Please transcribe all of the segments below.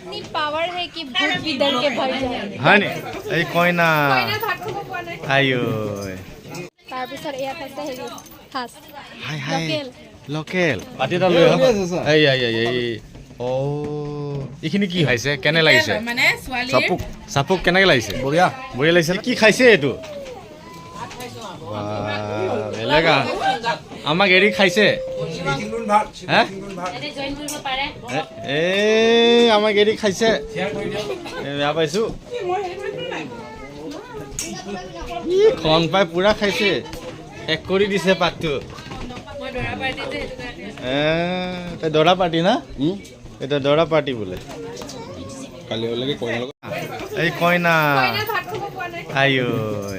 इतनी पावर है कि भूत भी डर के भाग जाए হয় নি এই কইনা ভাত খাব পোৱা নাই আইও তাৰ পিছত ইয়াত আছে হেৰি হাঁস হাই হাই লোকেল লোকেল পাতি এটা লৈ আহ এই এই এই এই ও এইখিনি কি খাইছে কেনে লাগিছে মানে ছোৱালী চাপুক চাপুক কেনেকে লাগিছে বঢ়িয়া বঢ়িয়া লাগিছে কি খাইছে এইটো বেলেগ আমাক এৰি খাইছে হে এই আমাক এৰি খাইছে বেয়া পাইছো ই খন পাই পুৰা খাইছে শেষ কৰি দিছে পাতটো তই দৰা পাৰ্টি না এটা দৰা পাৰ্টি বোলে কালি ওলাগে কইনা এই কইনা ভাত খাব পোৱা নাই আইও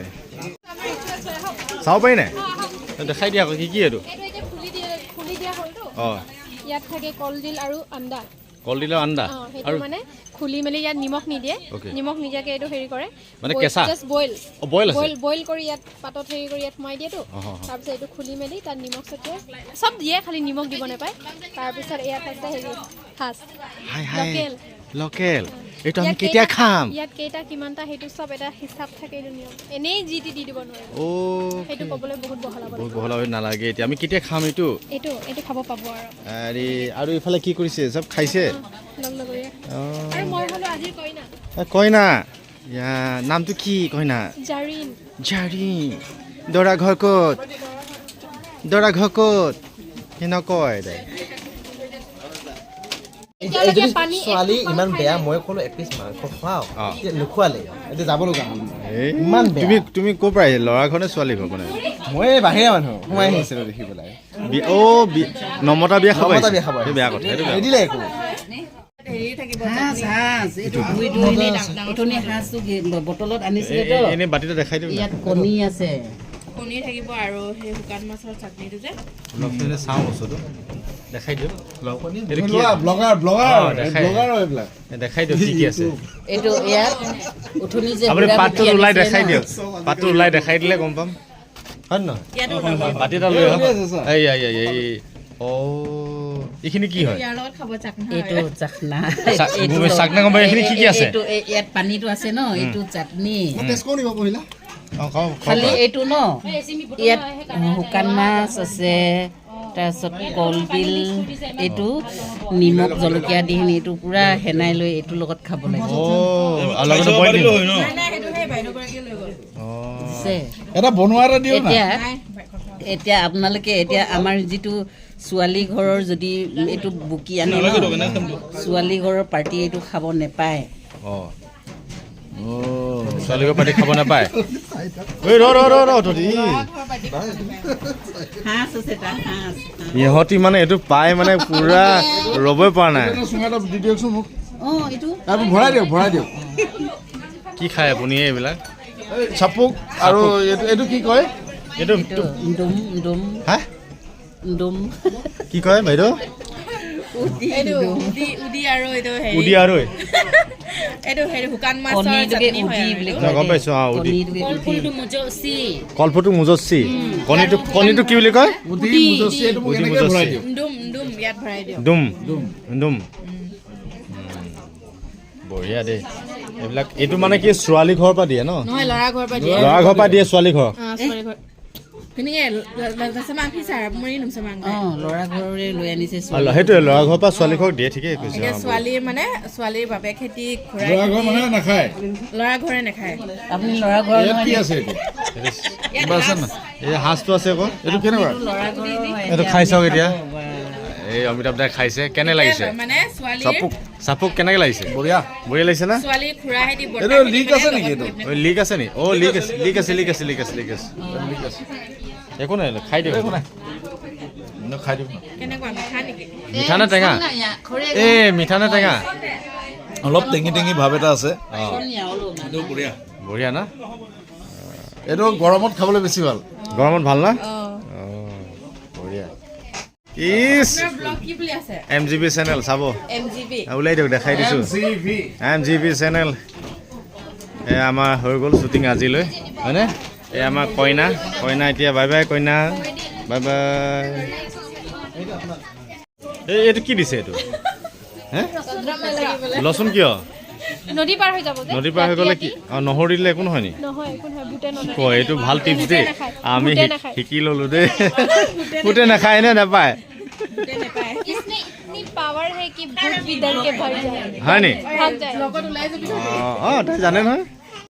চাব পাৰি নাই দেখাই দিয়া আকৌ কি কি এইটো এইটো এতিয়া খুলি দিয়া হ'লতো অঁ ইয়াত থাকে কলডিল আৰু আন্দা কলডিলৰ আন্দা সেইটো আৰু মানে খুলি মেলি ইয়াত নিমখ নিদিয়ে Okay. নিমখ নিদিয়াকে এইটো হেৰি কৰে মানে কেঁচা? জাষ্ট বইল অঁ বইল আছে বইল কৰি ইয়াত পাতত হেৰি কৰি ইয়াত সোমাই দিয়েতো তাৰপিছত এইটো খুলি মেলি তাত নিমখ ছটিয়াই চব দিয়ে খালি নিমখ দিব নাপায় তাৰপিছত ইয়াত আছে হেৰি হাঁস হাই হাই লোকেল লোকেল এইটো আমি ইয়াত কেতিয়া খাম ইয়াত কেইটা কিমানটা সেইটো চব এটা হিচাপ থাকে এইটো নিয়ম এনেই যি টি দি দিব নোৱাৰে অ' সেইটো ক'বলৈ বহুত বহলাব বহুত বহলা হৈ নালাগে এতিয়া আমি কেতিয়া খাম এইটো এইটো খাব পাব আৰু আৰু ইফালে কি কৰিছে চব খাইছে লগ লগৰীয়া অঁ আৰু মই হ'লো আজিৰ কইনা কইনা ইয়া নামটো কি কইনা জাৰিন জাৰি দৰা ঘৰ ক'ত দৰা ঘৰ ক'ত সি নকয় দে এতিয়ালৈকে পানী ছোৱালী ইমান বেয়া মই ক'লো এপিচ মাংস খুৱাওঁ নোখোৱালে এতিয়া যাব লগা হ'ল এই ইমান বেয়া। তুমি ক'ৰ পৰা আহিলা ল'ৰা ঘৰ নে ছোৱালী ঘৰ মানে মই বাহিৰা মানুহ সোমাই আহিছিলোঁ দেখি পেলাই নমতা বিয়া খাব নমতা আহিছে? বিয়া খাব সেইটো বেয়া কথা সেইটো বেয়া কথা। নিদিলে একো হেৰি থাকিব হাঁচ এইটো ধুই এনেই ডাঙৰ হাঁচটো বটলত আনিছিলে তো এনেই বাতিটো দেখাই দিওঁ ইয়াত কণী আছে কণী থাকিব আৰু সেই শুকান মাছৰ চাটনিটো যে অলপ চাওঁ বস্তুটো দেখাই দিওঁ এইটো কি ব্লগাৰ অঁ, দেখাই। এইবিলাক দেখাই দিওঁ কি কি আছে এইটো ইয়াত উঠনি যে আপুনি বুঢ়া পাতটো বুঢ়ী ওলাই আনিছিলে দেখাই ন? দিয়ক পাতটো ওলাই দেখাই দিলে গম পাম হয় নহয় ইয়াতো বাতি এটা লৈ আহক আছে, ছাৰ। এই এই এই এই অ' এইখিনি কি হয় ইয়াৰ লগত খাব চাকনা এইটো চাকনা চাকনা গম পাই এইখিনি কি কি আছে এইটো ইয়াত পানীটো আছে ন এইটো চাটনি অঁ খাওঁ খালি এইটো ন ইয়াত শুকান মাছ আছে তাৰপিছত কলডিল এইটো নিমখ জলকীয়া দি কিনি এইটো পূৰা সেনাই লৈ এইটোৰ লগত খাব লাগে অ' আৰু লগতে বইল দিম আছে। এটা বনোৱা এটা দিওঁ না এতিয়া আপোনালোকে এতিয়া আমাৰ যিটো ছোৱালী ঘৰৰ যদি এইটো বুকি আনে ন, ছোৱালী ঘৰৰ পাৰ্টি এইটো খাব নেপায় অঁ ছোৱালীকৰ পাতি খাব নাপায় ঐ ৰ তহঁতি হাঁচ আছে তাত হাঁচ ইহঁতি মানে এইটো পাই মানে পুৰা ৰ'বই পৰা নাই চুঙাটো দি দিয়কচোন মোক অঁ এইটো তাৰপৰা ভৰাই দিয়ক কি খায় আপুনি এইবিলাক চাপুক আৰু এইটো কি কয় এইটো এইটো ডুম ডুম হা ডুম কি কয় বাইদেউ উদি আৰু এইটো উদি আৰু এইটো হেৰি শুকান মাছৰ চাটনি হয় মই গম পাইছোঁ অঁ উদি কলফুলটো মুজচি কলফুটো মুজস্বী কণীটো কি বুলি কয় উদি মুজস্বী এইটো মোক এনেকৈ ভৰাই দিয়ক ডুম ইয়াত ভৰাই দিয়ক ডুম বঢ়িয়া দেই এইবিলাক এইটো মানে কি ছোৱালী ঘৰৰ পৰা দিয়ে ন নহয় ল'ৰা ঘৰৰ পৰা দিয়ে ল'ৰা ঘৰৰ পৰা দিয়ে ছোৱালী ঘৰ ছোৱালী ঘৰ কেনেকৈ lasama fisar mori num samang ল'ৰা ঘৰৰে লৈ আনিছে ছোৱালী সেইটোৱে ল'ৰা ঘৰৰ পৰা ছোৱালী ঘৰক দিয়ে ঠিকেই কৈছে এতিয়া ছোৱালী মানে ছোৱালীৰ বাবে খেতি ঘূৰাই ল'ৰা ঘৰ মানে নাখায় ল'ৰা ঘৰে নাখায় আপুনি ল'ৰা ঘৰ ইয়াত কি আছে কিবা আছে না এই সাজটো আছে আকৌ এইটো কেনেকুৱা ল'ৰা ঘৰৰ এইটো খাই চাওক এতিয়া এই অমিতাভ দাই খাইছে কেনে লাগিছে মানে ছোৱালী চাপুক কেনেকে লাগিছে বঢ়িয়া বঢ়িয়া লাগিছে না ছোৱালী খুৰাই দি এইটো লিক আছে নেকি এইটো লিক আছে নি অ' লিক আছে একো নাই খাই দিয়ক একো নাই খাই দিওঁ কেনেকুৱা মিঠা নেকি মিঠা নে টেঙা মিঠা নে টেঙা অলপ টেঙি টেঙি ভাৱ এটা আছে এইটো বঢ়িয়া বঢ়িয়া না এইটো গৰমত খাবলৈ বেছি ভাল গৰমত ভাল না বঢ়িয়া ইছ ব্লগ কি বুলি আছে MGB চেনেল চাব MGB ওলাই দিয়ক দেখাই দিছোঁ MGB চেনেল এই আমাৰ হৈ গ'ল শ্বুটিং আজিলৈ হয়নে এই আমাৰ কইনা এতিয়া বাই বাই কইনা বাই বাই এইটো কি দিছে এইটো হে লচুন কিয় নদী পাৰ হৈ যাব যে নদী পাৰ হৈ গ'লে কি নহৰু দিলে একো নহয় নি নহয় একো নহয় বুটে নলয় কয় এইটো ভাল টিপছ দেই আমি বুটে নাখায়। শিকি ল'লো দেই বুটে নাখায় নে নাপায় इसमें इतनी पावर है कि भूत भी डर के भाग जाए হয় নি भाग जाए অঁ তাই জানে নহয়